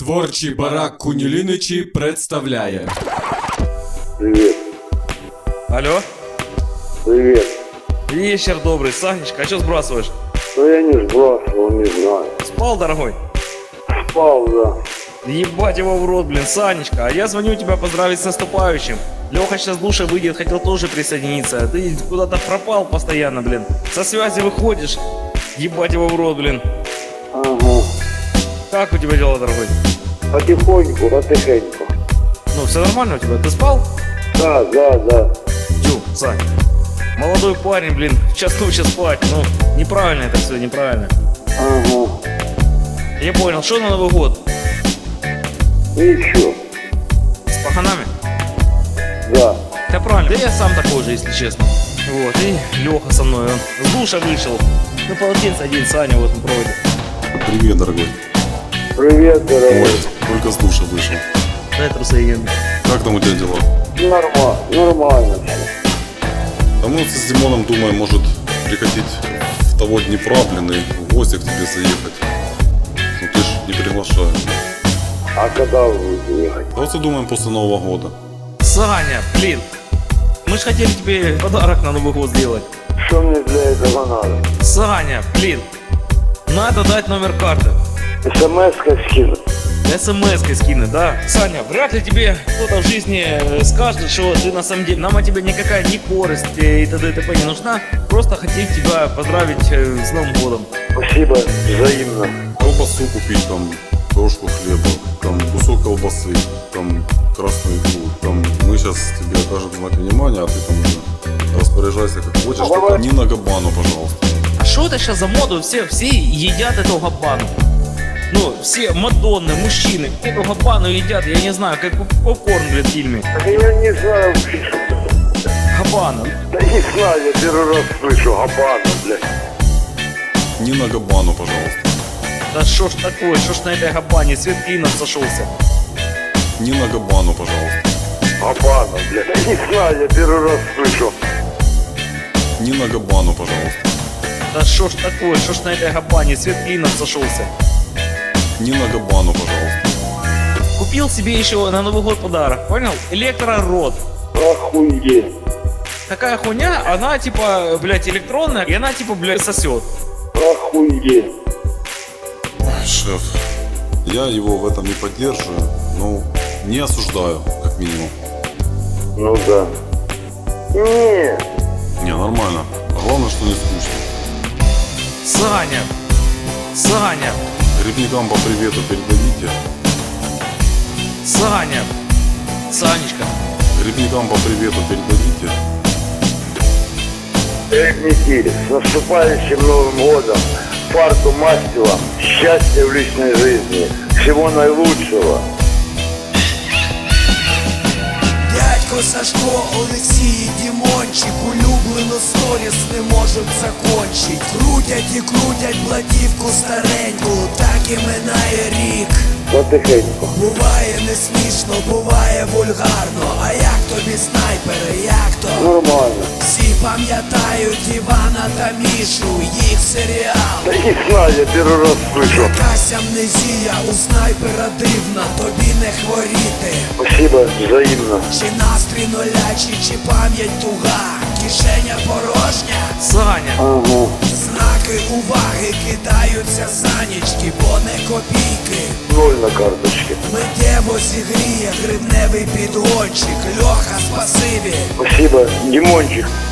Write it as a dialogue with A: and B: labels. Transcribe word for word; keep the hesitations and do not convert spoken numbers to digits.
A: Творчий барак Куніліничі представляє.
B: Привет.
C: Алло?
B: Привет.
C: Вечер добрый, Санечка, а что сбрасываешь?
B: Ну я не сбрасывал, не знаю.
C: Спал, дорогой?
B: Спал, да.
C: Ебать его в рот, блин, Санечка, а я звоню тебя поздравить с наступающим. Леха сейчас с душа выйдет, хотел тоже присоединиться, а ты куда-то пропал постоянно, блин. Со связи выходишь, ебать его в рот, блин.
B: Ага.
C: Как у тебя дела, дорогой?
B: Потихоньку, потихоньку.
C: Ну, все нормально у тебя, ты спал?
B: Да, да, да.
C: Тю, Сань, молодой парень, блин, в час ночи спать, ну, неправильно это все, неправильно.
B: Ага.
C: Я понял, что на Новый год?
B: Ничего.
C: С паханами?
B: Да.
C: Да правильно, да я сам такой же, если честно. Вот, и Леха со мной, он с душа вышел. Ну, полотенце один, Саня вот он проводит.
D: Привет, дорогой.
B: Привет, дорогой.
D: Ой, только с душа вышел.
C: Дай трусы ем.
D: Как там у тебя дела?
B: Нормально, нормально.
D: А мы с Димоном думаем, может прикатить в того Днепра, блин, и в гости к тебе заехать. Ну ты ж не приглашаешь.
B: А когда вы будете ехать?
D: Просто думаем после Нового года.
C: Саня, блин, мы же хотели тебе подарок на Новый год сделать.
B: Что мне для этого надо?
C: Саня, блин, надо дать номер карты.
B: СМС-ка скинуть.
C: СМС-кой скинуть, да? Саня, вряд ли тебе кто-то в жизни э, скажет, что ты на самом деле, нам от тебя никакая ни корость э, и т.д. и т.п. не нужна. Просто хотим тебя поздравить э, с Новым годом.
B: Спасибо, взаимно.
D: Колбасу купить, там, крошку хлеба, там, кусок колбасы, там, красную икру. Там, мы сейчас тебе окажем знак внимания, а ты там уже распоряжайся как хочешь.
B: А
D: Только
B: давай.
D: не на Габану, пожалуйста.
C: А что это сейчас за моду? Все, все едят эту габану. Ну, все мадонны, мужчины, эту габану едят, я не знаю, как попкорн, блин, в фильме.
B: Так я не знаю.
C: Габана.
B: Да не знаю, я первый раз слышу Габану, блядь.
D: Не на Габану, пожалуйста.
C: Да шо ж такое, шо ж на этой габане, свет клином сошелся.
D: Не на Габану, пожалуйста.
B: Габану, блядь. Да не знаю, я первый раз слышу.
D: Не на Габану, пожалуйста.
C: Да шо ж такое, шо ж на этой габане, свет клином сошелся.
D: Не на Габану, пожалуйста.
C: Купил себе еще на Новый год подарок, понял? Электрород.
B: Охуеть.
C: Такая хуйня, она типа, блядь, электронная, и она типа, блядь, сосет.
B: Охуеть.
D: Шеф, я его в этом не поддерживаю, но не осуждаю, как минимум.
B: Ну да. Не.
D: Не, нормально. Главное, что не скучно.
C: Саня, Саня,
D: Грибникам по привету передадите.
C: Саня, Санечка.
D: Грибникам по привету передадите.
B: Ребники, с наступающим Новым годом, фарту мастила, счастья в личной жизни, всего наилучшего.
E: Дядько Сашко, Олексій, Дімончик, улюблену сторіс не можуть закончить. Крутять і крутять платівку стареньку, так і минає рік.
B: Потихеньку.
E: Буває не смішно, буває вульгарно. А як тобі снайпери, як то?
B: Нормально.
E: Всі пам'ятають Івана та Мішу, їх серіал.
B: Да не знаю, я первый раз слышу.
E: Якась амнезія у снайпера дивна, тобі не хворіти.
B: Спасибо, взаимно.
E: Чи настрій нулячий, чи пам'ять туга, кишеня порожня.
C: Саня,
B: Ага.
E: Знаки уваги кидаються санічки, бо не копійки.
B: Ноль на карточке.
E: Миттєво зігріє гривневий підгончик. Льоха, спасибі.
B: Спасибо, Димончик.